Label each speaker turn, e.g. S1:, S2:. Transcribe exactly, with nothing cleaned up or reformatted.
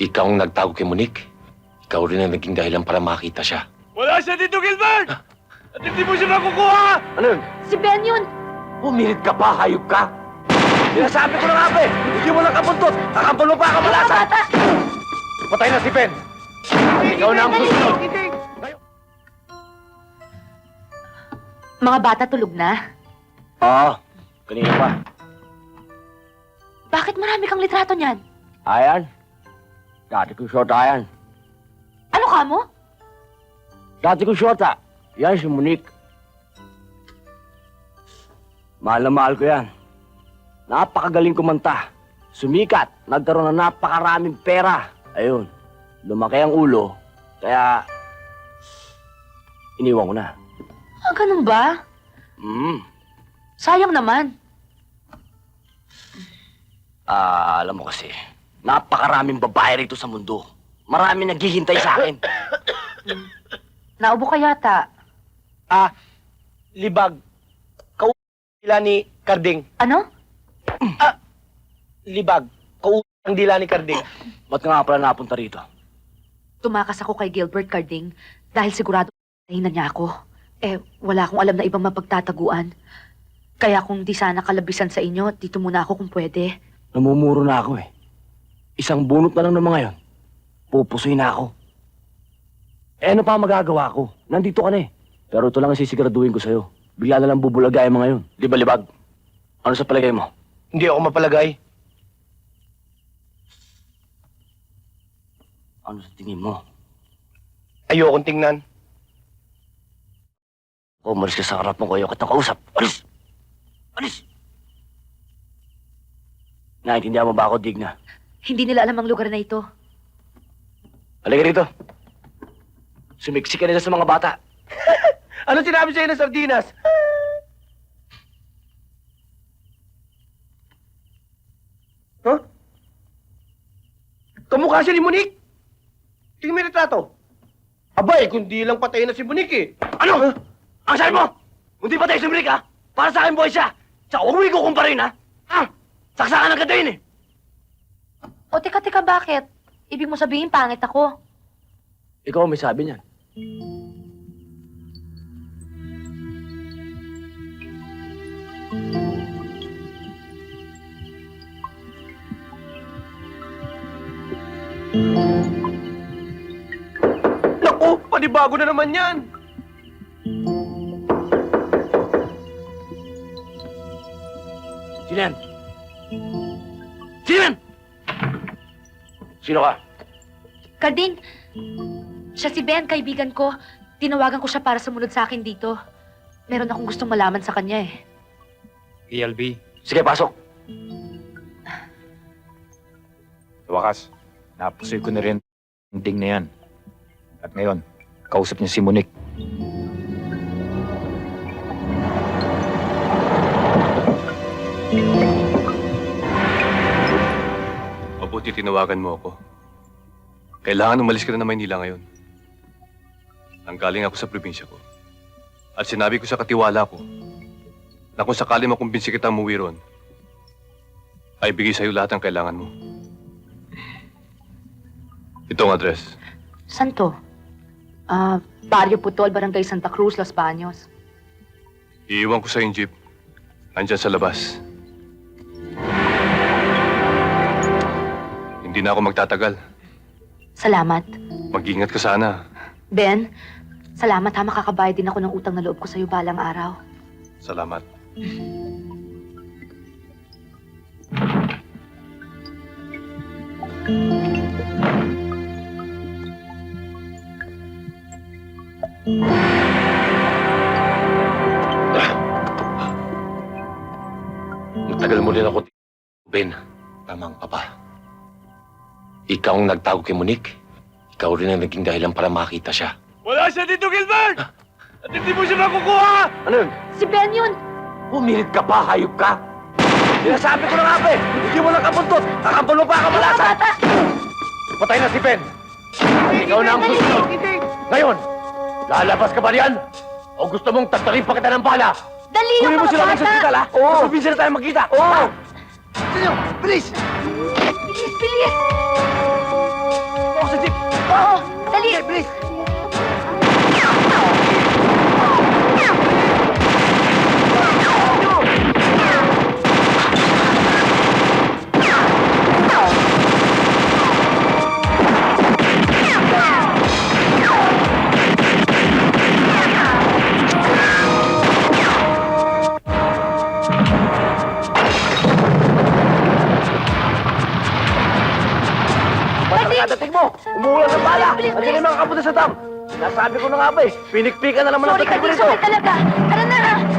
S1: Ikaw ang nagtago kay Monique. Ikaw rin ang naging dahilan para makita siya.
S2: Wala siya dito, Gilbert! At hindi mo siya makukuha!
S1: Ano yun?
S3: Si Ben yun!
S1: Pumilit ka pa, hayop ka!
S2: Sinasabi ko na nga, pe! Hindi mo lang kapuntot! Kakampal mo pa ang kamalasan! Patay na si Ben! Ikaw na ang susunod!
S3: Mga bata tulog na?
S2: Oo, kanina pa.
S3: Bakit marami kang litrato niyan?
S2: Ayan. Dati ko short ayan.
S3: Ano ka mo?
S2: Dati ko short ah. Yan si Monique. Mahal na mahal ko yan. Napakagaling kumanta. Sumikat. Nagkaroon ng napakaraming pera. Ayun. Lumaki ang ulo. Kaya... iniwan ko na.
S3: Ah, ganun ba?
S2: Hmm.
S3: Sayang naman.
S2: Ah, alam mo kasi, napakaraming babae rito sa mundo. Marami naghihintay sa akin.
S3: Naubo ka yata.
S4: Ah, libag. Kau dila ni Karding.
S3: Ano?
S4: Libag. Kau ang dila ni Karding.
S2: Ba't ka nga pala napunta rito?
S3: Tumakas ako kay Gilbert Carding dahil sigurado na niya ako. Eh, wala akong alam na ibang mapagtataguan. Kaya kung di sana kalabisan sa inyo, dito muna ako kung pwede.
S2: Namumuro na ako eh. Isang bunot na lang ng mga yon. Pupusuin na ako. Eh ano pa ang magagawa ko? Nandito ka na eh. Pero ito lang ang sisiguraduhin ko sa'yo. Bigla na lang bubulagay ang mga yon. Di ba, Libag? Ano sa palagay mo?
S4: Hindi ako mapalagay.
S2: Ano sa tingin mo?
S4: Ayokong tingnan.
S2: O, umalis ka sa harap mo ko. Ayaw kitang kausap. Alis! Alis! Naintindihan mo ba ako, Digna?
S3: Hindi nila alam ang lugar na ito.
S2: Halika rito. Sumiksik ka nila sa mga bata.
S4: Ano sinabi sa'yo ng sardinas? Huh? Kamukha siya ni Monique. Tingnan mo yung retrato. Abay, kundi lang patay na si Monique eh.
S2: Ano? Ang sabi mo? Hindi pa tayo sumrik, ha? Para sa akin, boy siya. Tsaka huwag mo ikukumparin, ha? Ha? Saksakan ang ganda yun, eh.
S3: O, teka, teka, bakit? Ibig mo sabihin, pangit ako.
S2: Ikaw may sabi niyan.
S4: Naku, panibago na naman yan.
S2: Sino yan? Sino yan? Sino ka?
S3: Carding, siya si Ben, kaibigan ko. Tinawagan ko siya para sumunod sa akin dito. Meron akong gustong malaman sa kanya eh.
S5: E L B,
S2: Sige, pasok.
S5: sa wakas, napusoy ko na rin ang ding na yan. At ngayon, kausap niya si Monique.
S6: Mabuti tinawagan mo ako. Kailangan umalis ka na ng Maynila ngayon. Nanggaling ako sa probinsya ko. At sinabi ko sa katiwala ko na kung sakali makumbinsi kita umuwi ron, ay bigay sa'yo lahat ng kailangan mo. Ito ang address.
S3: Saan to? Ah, Barrio Putol, Barangay Santa Cruz, Los Baños.
S6: Iiwan ko sa yung jeep. Nandyan sa labas. Hindi na ako magtatagal.
S3: Salamat.
S6: Mag-ingat ka sana.
S3: Ben, salamat ha, makakabayad din ako ng utang na loob ko sa'yo balang araw.
S6: Salamat.
S1: Matagal mo rin ako, Ben. Tamang papa. Ikaw ang nagtago kay Monique. Ikaw rin ang naging dahilan para makita siya.
S2: Wala siya dito, Gilbert! At hindi mo siya makukuha!
S4: Ano yun?
S3: Si Ben yun!
S1: Pumilit ka pa, hayop ka!
S4: Sinasabi ko na nga, pe! Hindi mo lang kapuntot! Kakampal mo pa ang kamalasan! Patay na si Ben! Ikaw na ang susunod! Ngayon, lalabas ka ba riyan? O gusto mong tagtarin pa kita ng bala?
S3: Dali
S4: Kunin mo
S3: mga
S4: sila
S3: bata!
S4: sa ospital, ha? Oo! Mas mabisa na tayo magkita! Oo! Sino? Bilis!
S3: Bilis, bilis!
S4: bilis! Pagkakadating mo, umuulan ng bala.
S3: Bilis, bilis,
S4: Andiyan yung mga kapunta sa dam. Nasabi ko na nga ba eh, pinikpikan na naman ang
S3: Sorry,
S4: tatay ko
S3: Karding.
S4: nito.
S3: Sorry talaga. Tara na.